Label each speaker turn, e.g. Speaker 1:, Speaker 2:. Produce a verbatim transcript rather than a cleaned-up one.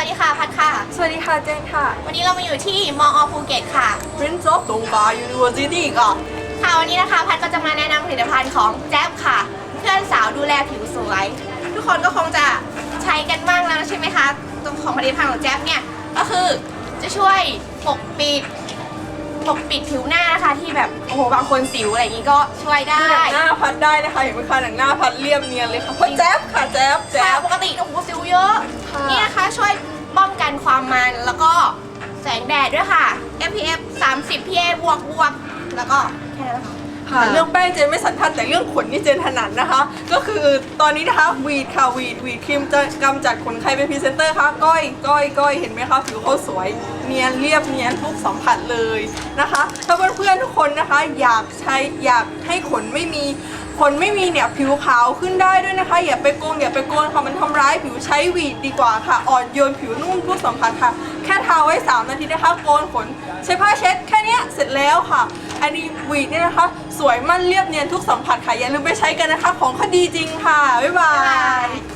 Speaker 1: ดีค่ะพัดค่ะ
Speaker 2: สวัสดีค่ะเจนค่ะ
Speaker 1: วันนี้เรามาอยู่ที่มอภูเก็ตค่ะ
Speaker 2: Prince of Dongfa University ค่ะ
Speaker 1: ค่ะวันนี้นะคะพัดก็จะมาแนะนำผลิตภัณฑ์ของแจ๊บค่ะเพื่อนสาวดูแลผิวสวยทุกคนก็คงจะใช้กันบ้างแล้วใช่ไหมคะตัวของผลิตภัณฑ์ของแจ๊บเนี่ยก็คือจะช่วยปกปิดปกปิดผิวหน้านะคะที่แบบโอ้โหบางคนสิวอะไรอย่างนี้ก็ช่วยได้
Speaker 2: หนังหน้าพัดได้นะคะเห็นไหมคะหนังหน้าพัดเรียบเนียนเลยค่ะเพราะแจ๊บค่ะแจ๊บแจ๊
Speaker 1: ค่ะ
Speaker 2: บ
Speaker 1: ปกติโอ้โหสิวเยอะ
Speaker 2: ค่ะ
Speaker 1: นี่นะคะช่วยป้องกันความมันแล้วก็แสงแดดด้วยค่ะ เอฟ พี เอฟ สามสิบ พี เอ บวกบวกแล้วก็แค่นั้นค่ะ
Speaker 2: ค่ะเรื่องแป้งเจนไม่สันทัดแต่เรื่องขนนี่เจนถนัดนะคะ ก็คือตอนนี้นะคะวีดค่ะวีดวีดครีมจะกำจัดขนใครเป็นพรีเซนเตอร์คะก้อยก้อยก้อยเห็นไหมคะผิวเขาสวยเนียนเรียบเนียนทุกสัมผัสเลยนะคะถ้าเพื่อนๆทุกคนนะคะอยากใช้อยากให้ขนไม่มีขนไม่มีเนี่ยผิวขาวขึ้นได้ด้วยนะคะอย่าไปโกงอย่าไปโกนค่ะมันทำร้ายผิวใช้วีดดีกว่าค่ะอ่อนโยนผิวนุ่มทุกสัมผัสค่ะแค่ทาไว้สามนาทีนะคะโกนขนใช้ผ้าเช็ดแค่เนี้ยเสร็จแล้วค่ะอันนี้วีดเนี่ยนะคะสวยมั่นเรียบเนียนทุกสัมผัสค่ะอย่าลืมไปใช้กันนะคะของเขาดีจริงค่ะบ๊ายบาย